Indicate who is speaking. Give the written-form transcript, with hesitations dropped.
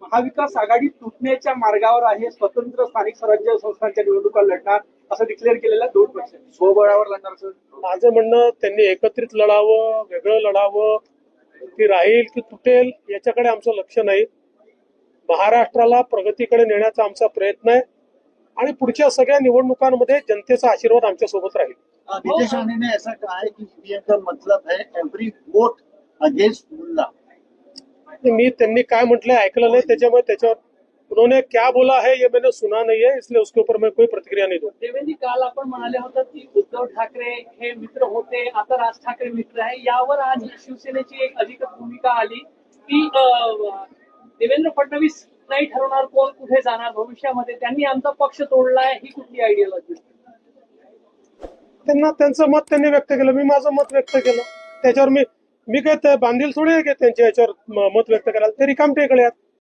Speaker 1: महाविकास आघाडी तुटण्याच्या मार्गावर आहे, स्वतंत्र स्थानिक स्वराज्य संस्थांच्या निवडणुका लढणार असं डिक्लेअर केलेल्या 2 पक्ष स्वबळावर लढणार असं
Speaker 2: माझं म्हणणं, त्यांनी एकत्रित लढावं, वेगळं लढावं, ती राहील की तुटेल याच्याकडे आमचं लक्ष नाही. महाराष्ट्राला प्रगतीकडे नेण्याचा आमचा प्रयत्न आहे आणि पुढच्या सगळ्या निवडणुकांमध्ये जनतेचा आशीर्वाद आमच्या सोबत राहील.
Speaker 3: नीतीश राणे ने ऐसा कहा है कि ईवीएम का मतलब है एवरी वोट अगेंस्ट मुल्ला.
Speaker 2: मी त्यांनी काय म्हटलंय ऐकलं नाही, त्याच्यामुळे त्याच्यावर उन्होंने क्या बोला है ये मैंने सुना नहीं है, इसलिए उसके ऊपर मैं कोई प्रतिक्रिया नहीं दूं.
Speaker 4: देवेंद्र, काल आपण म्हणाले होता की उद्धव ठाकरे हे मित्र होते, आता राज ठाकरे मित्र आहे. यावर आज शिवसेनेची एक अधिकृत भूमिका आली की देवेंद्र फडणवीस नाही ठरवणार कोण कुठे जाणार भविष्यामध्ये, त्यांनी आमचा पक्ष तोडलाय, ही कुठली आयडियोलॉजी?
Speaker 2: त्यांना त्यांचं मत त्यांनी व्यक्त केलं, मी माझं मत व्यक्त केलं. त्याच्यावर मी काय बांधील थोडी आहे की त्यांच्या याच्यावर मत व्यक्त करायला. ते रिकामटेकडे आहेत.